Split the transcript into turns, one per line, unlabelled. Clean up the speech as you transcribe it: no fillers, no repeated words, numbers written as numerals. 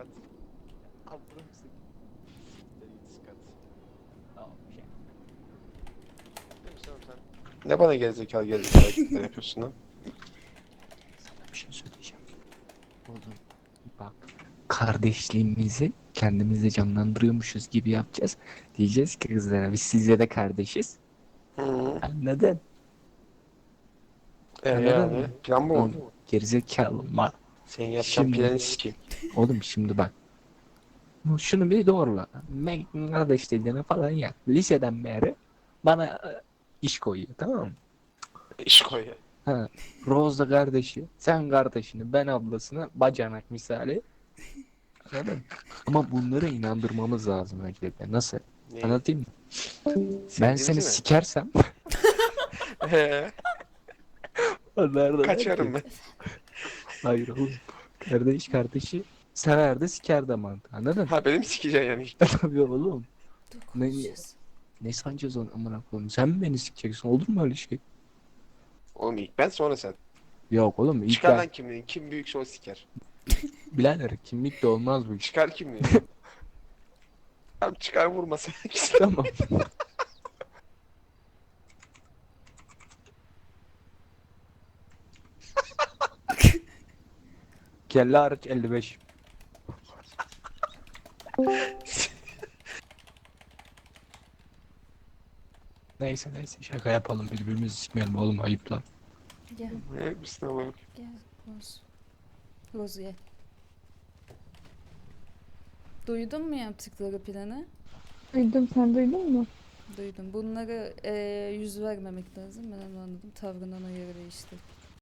Skat. Aldırır mısın? Siktir git Skat.
Tamam şey.
Demiştim sen. Ne bana gerizekalı hareketler yapıyorsun lan?
Sana bir şey söyleyeceğim. Oğlum bak, kardeşliğimizi kendimizde canlandırıyormuşuz gibi yapacağız. Diyeceğiz ki kızlara biz sizle de kardeşiz.
Hı.
Anladın? Anladın
Yani
mı?
plan bu mu?
Oğlum, gerizekalı mal.
Senin yapacağın
Şimdi
planı sikeyim.
oğlum şimdi bak. Şunu bir doğrula. Ben kardeş dediğine falan ya. Liseden beri bana iş koyuyor, tamam mı?
İş koy ya.
Ha, Rose da kardeşi, sen kardeşini, ben ablasını, bacanak misali. Anladın mı? Ama bunları inandırmamız lazım öncelikle. Nasıl?
Neyi?
Anlatayım mı? Ben seni
Sevdiğimizi mi?
sikersem
He,
onlar da der ki
kaçarım ben.
hayır oğlum. Kardeş kardeşi sever de siker de mantığı. Anladın?
Ha benim sikeceksin yani.
Tabii oğlum.
Dur
Ne,
konuşacağız.
ne sancağız onu amına koyayım? Sen mi beni sikeceksin? Olur mu öyle şey?
Oğlum ilk ben sonra sen.
Yok oğlum, ilk
Çıkar
ben.
lan kimliğin. Kim büyükse o siker.
Birader kimlik de olmaz bu iş.
Çıkar kimliği. Abi çıkar vurma sen.
Tamam. Kelle hariç 55. Neyse şaka yapalım, birbirimizi sikmeyelim oğlum, ayıp lan.
Gel
Ne misin ama?
gel Roz. Roz gel. Duydun mu yaptıkları planı?
Duydum, sen duydun mu?
Duydum. Bunları yüz vermemek lazım. Ben onu anladım. Tavrından o yere değişti.